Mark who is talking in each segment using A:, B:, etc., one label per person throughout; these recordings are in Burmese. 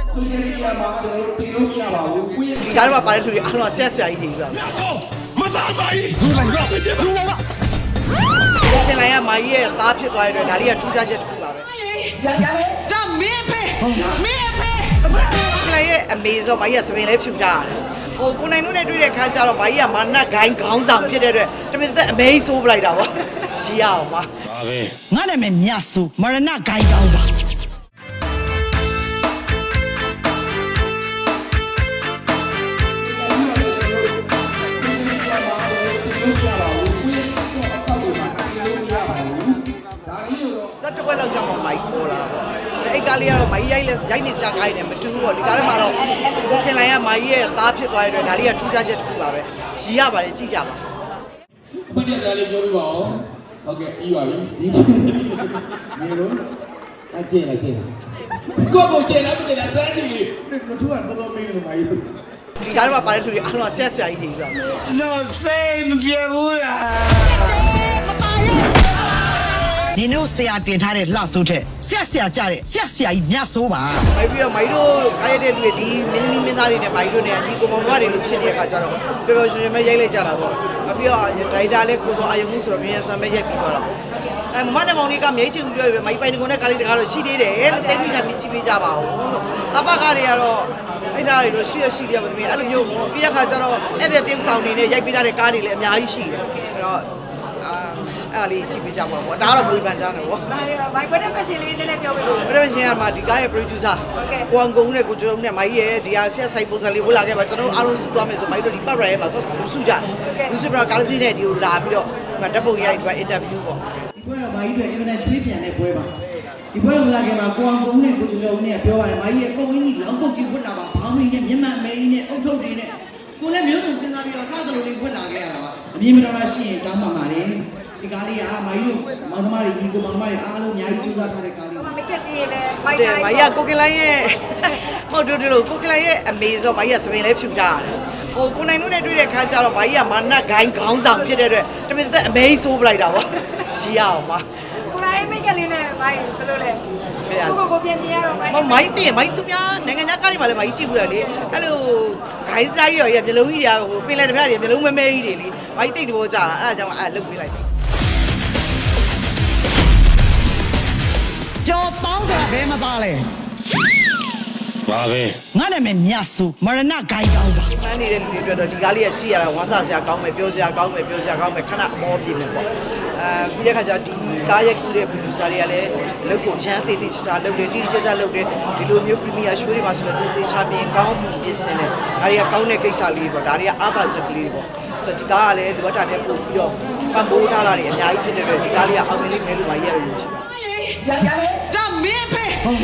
A: social media မှာကျွန်တော်တို့တင်လို့မရပါဘူးကိုယ့်ရဲ့
B: ဒီကားမှာပါတဲ့သူတွေအားလုံးဆက်ဆရာကြီးတွေပြပါမယ်
C: မစားပါဘူးလူလိုက်တော့လူလိုက်တော့
B: ဆင်လိုက်ရမာကြီးရဲ့သားဖြစ်သွားတဲ့အတွက်ဒါလေးကထူးခြားချက်တစ်ခုပါပဲ
A: ရရလေ
B: ဒါမင်းဖေမင်းဖေဆင်လိုက်ရဲ့အမေဆိုမာကြီးကစပင်လေးဖြူကြရတယ်ဟိုကိုနိုင်တို့နဲ့တွေ့တဲ့ခါကျတော့မာကြီးကမာနတ်ဂိုင်းခေါင်းဆောင်ဖြစ်တဲ့အတွက်တမင်သက်အမေဆိုးပလိုက်တာပေါ့ရီးရအောင်ပါ
C: ဒါပဲ
D: ငါနာမည်မြတ်ဆိုမရဏဂိုင်းကောင်းစား
B: ဇက်တစ်ခွက်လောက်ကြာမှမိုက်ပေါ်လာတော့အဲ့ကားလေးကတော့မိုက်ရိုက်နေကြခိုင်းတယ်မတူဘူးပေါ့ဒီကားထဲမှာတော့ကိုခင်လိုက်ရမိုက်ရဲ့သားဖြစ်သွားတဲ့အတွက်ဒါလေးကထူးခြားချက်တစ်ခုပါပဲရီးရပါတယ်ကြည့်ကြပါ
A: အခုတည်းသားလေးပြောပြပါဦးဟုတ်ကဲ့ပြီးပါပြီနေလို့အကျင့်လိုက်ကိုကျင့်လိုက်မကျင့်လိုက်စမ်းကြည့်ဒီလိုထူကတော့တော်မင်းလို့မိုက်
B: ဒီကားထဲမှာပါတဲ့သူတွေအားလုံးဆက်ဆရာကြီးတွေပြပါမယ်
C: ကျွန်တော်စိတ်မပြေဘူးလား
D: နင်တို့ဆရာတင်ထားတဲ့လှဆိုးတဲ့ဆရာကြတဲ့ဆရာကြီးမြတ်ဆိုးပါ
B: မိုက်ပြီးတော့မိုက်တို့အားရတဲ့လူတွေဒီမင်းသမီးမင်းသားတွေနဲ့မိုက်တို့နဲ့ဒီကိုမောင်တို့တွေလို့ဖြစ်နေတဲ့အခါကျတော့ပျော်ပျော်ရွှင်ရွှင်ပဲရိုက်လိုက်ကြတာပေါ့ပြီးတော့ဒိုင်တာလည်းကိုစောအာယုံမှုဆိုတော့မြန်ဆန်ပဲရိုက်ပြီးသွားတာမမနဲ့မောင်လေးကမြိတ်ချင်ပြောပဲမိုက်ပိုင်ကုန်တဲ့ကားလေးတကားတော့ရှိသေးတယ်လို့တိတ်တိတ်ကမြင်ကြည့်ပေးကြပါဦးလို့အပကားတွေကတော့အဲ့ဒါတွေတော့ရှိတယ်ပါသမီးအဲ့လိုမျိုးပြီးတဲ့ခါကျတော့အဲ့တဲ့တင်းဆောင်နေနဲ့ရိုက်ပေးထားတဲ့ကားတွေလည်းအများကြီးရှိတယ်အဲ့တော့အဲ့လေးကြည့်ပေးကြပါပေါ့ဒါကတော့ဘယ်ပန်ကြားနေပေါ့
E: မိုက်ကွက်တဲ့ fashion လေးနည်းနည်းပြောပြလို့
B: ဘယ်လိုရှင်ရမှာဒီကားရဲ့ producer ကိုအောင်ကုန်းနဲ့ကိုကျော်နဲ့မိုင်းရဲ့ဒီဟာဆက်ဆိုင်ပုံစံလေးဝလာခဲ့ပါကျွန်တော်အားလုံးစုသွားမယ်ဆိုမိုင်းတို့ဒီပတ်ရရဲ့မှာတော့စုကြတယ်လူစုပြတော့ကားကြီးနဲ့ဒီကိုလာပြီးတော့ဓာတ်ပုံရိုက်ပြီး interview ပေါ့
D: ဒီပွဲတော့မိုင်းတွေအင်မတန်ချွေးပြန်တဲ့ပွဲပါဒီပွဲဝင်လာခင်မှာကိုအောင်ကုန်းနဲ့ကိုကျော်ကျော်နဲ့ပြောပါတယ်မိုင်းရဲ့အကုန်အင်းကြီးလောင်းကုတ်ကြီးဝတ်လာပါဘောင်းမင်းနဲ့မျက်မှန်အမေကြီးနဲ့အုတ်ထုတ်တွေနဲ့ကိုလည်းမျိုးစုံစဉ်းစားပြီးတော့နှာသလိုလေးဝတ်လာခဲ့ရတာပါအမြင်မတော်တာရှိရင်တောင်းပါပါတယ်ဒီကားလေးကမိုင်းတို့မောင်နှမတွေညီကိုမောင်နှမတွေအားလုံးအများကြီးစူးစမ်းထားတဲ့ကားလေး
E: ပါမကက်ကြီးရဲ့မိုက်
B: တယ်မိုင်းကကိုကလိုင်းရဲ့ဟုတ်တယ်လို့ကိုကလိုင်းရဲ့အမေဆိုမိုင်းကစပင်လေးဖြူကြရတယ်ဟိုကိုနိုင်တို့နဲ့တွေ့တဲ့ခါကျတော့မိုင်းကမာနတ်ဂိုင်းခေါင်းဆောင်ဖြစ်တဲ့အတွက်တမင်သက်အမေဆိုးပလိုက်တာပေါ့ရီးရအောင်ပါ
E: ကိုနိုင်မိတ်ကလေးနဲ့မိုင်းဘယ်လိုလဲကိုပြင်ရတော့
B: မိုင်းတင်မိုင်းသူများနိုင်ငံခြားကားတွေမှာလည်းမိုင်းကြည့်ဘူးလေအဲ့လိုဂိုင်းစားကြီးရောမျိုးလုံးကြီးတွေကဟိုပင်လယ်တစ်ဖက်တွေမျိုးလုံးမဲမဲကြီးတွေလေမိုင်းတိတ်တဘောကြာတာအဲ့ဒါကြောင့်အဲ့လုတ်ပေးလိုက်
D: ကျော်တောင်းဆိုတာဘယ်မှာသားလဲ
C: ပါပဲ
D: ငါနာမည်မြတ်ဆိုမရဏဂိုင်းကောင်းစား
B: မှန်းနေတဲ့လူတွေအတွက်တော့ဒီကားလေးကကြည့်ရတာဝမ်းသာစရာကောင်းမယ်ပြောစရာကောင်းမယ်ခဏအမောပြေမယ်ပေါ့ပြီးတဲ့ခါကျဒီကားရိုက်ကူးတဲ့ producer တွေကလည်းလုပ်ကိုရမ်းသေးသေးချာလုပ်တယ်တိတိကျကျလုပ်တယ်ဒီလိုမျိုး premier show တွေမှာဆိုတော့သေချာပြင်ကောင်းမှုပြင်ဆင်တယ်ဒါတွေကကောင်းတဲ့ကိစ္စလေးပေါ့ဒါတွေကအားသာချက်ကလေးပေါ့ဆိုတော့ဒီကားကလည်းဒီဘက်တာနဲ့ပို့ပြီးတော့ပံ့ပိုးထားတာတွေအများကြီးဖြစ်တဲ့အတွက်ဒီကားလေးကအောင်မြင်လိမ့်မယ်လို့မှရရယူချင်
A: ရရလေ
D: ဒါမင်းဖေ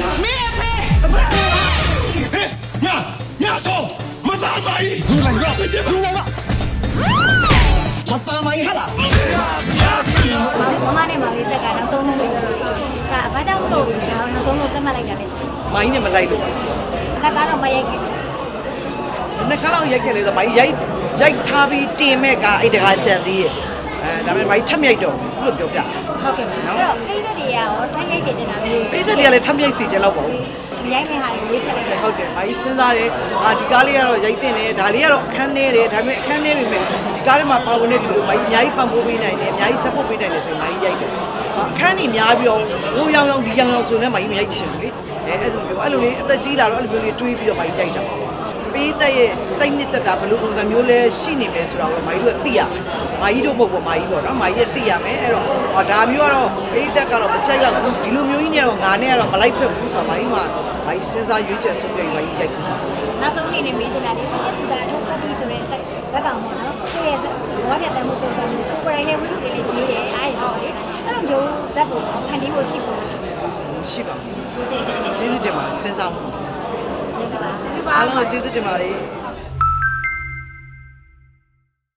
C: ညဆောမစားပါဘူးလူလိုက်တော့လူလိုက်တော့
D: မတော်မိုင်းဟာလား
E: မမနဲ့မလေးတက်ကနောက်ဆုံးလို့ပြောလို့ဒါဘာကြောင့်မလို့ဒါနောက်ဆုံးလို့တက်မှတ်လိုက်တာလဲရှင်
B: မိုင်းနဲ့မလိုက်လို့ပါ
E: ခါကတော့မရိုက်ခဲ့
B: နှစ်ခါလောက်ရိုက်ခဲ့လေဆိုမိုင်းရိုက်ထားပြီးတင်မဲ့ကအဲ့တကားကြံသေးရဲ့ဒါပေမဲ့မိုင်းထပ်မြိုက်တော့ဘူးလို့ပြောပြ
E: ဟုတ်ကဲ့ပါအဲ့တော့ပိသက်တွေကရောထမ်းရိုက်တင်နေတာမျိုး
B: ပိသက်တွေကလည်းထပ်မြိုက်စီကြလောက်ပါဘူး
E: မရိုက်မဲ့ဟာတွေရွေးချက်လိုက်တယ်
B: ဟုတ်တယ်မိုင်းစဉ်းစားတယ်ဒီကားလေးကတော့ရိုက်တင်တယ်ဒါလေးကတော့အခန်းနေတယ်ဒါပေမဲ့အခန်းနေပြီမဲ့ဒီကားထဲမှာပါဝင်တဲ့လူတွေမိုင်းအများကြီးပံ့ပိုးပေးနိုင်တယ်အများကြီး support ပေးနိုင်တယ်ဆိုရင်မိုင်းရိုက်တယ်အခန်းကြီးများပြီးတော့ဟိုရောင်ဒီရောင်ဆိုနေမိုင်းမရိုက်ချင်ဘူးလေအဲ့လိုလေးအသက်ကြီးလာတော့အဲ့လိုမျိုးလေးတွေးပြီးတော့မိုင်းရိုက်တာပေးတဲ့ရဲ့စိတ်နစ်သက်တာဘယ်လိုပုံစံမျိုးလဲရှိနေမယ်ဆိုတာကိုမိုင်းတို့ကသိရမယ်မိုင်းတို့ပုတ်ပေါ်မိုင်းပေါ့နော်မိုင်းရဲ့သိရမယ်အဲ့တော့ဒါမျိုးကတော့ပေးသက်ကတော့မချက်ရောက်ဘူးဒီလိုမျိုးကြီးနဲ့တော့ငါနဲ့ကတော့မလိုက်ဖက်ဘူးဆိုတာမိုင်းမှာမိုင်းစဉ်းစားရွေးချက်ဆုံးဖြတ်မိုင်းရိုက်တာ
E: နောက်ဆုံးအနေနဲ့မေးချင်တာလေးဆိုတော့သူကတော့ပတ်ပြီးဆိုတဲ့ဇက်ကောင်ပေါ့နော်သူ့ရဲ့ဘောပြတ်တဲ့မှုပုံစံမျိုးကိုယ်တိုင်လည်းဝိတုတွေလည်းရေးတယ်အားရတော့လေအဲ့လိုမျိုးဇက်ကိုဖန်တီးဖို့ရှိဖို့
B: ရှိပါကျေးဇူးတင်ပါတယ်စဉ်းစားမှုအားလုံးကျေးဇူးတင်ပါတယ်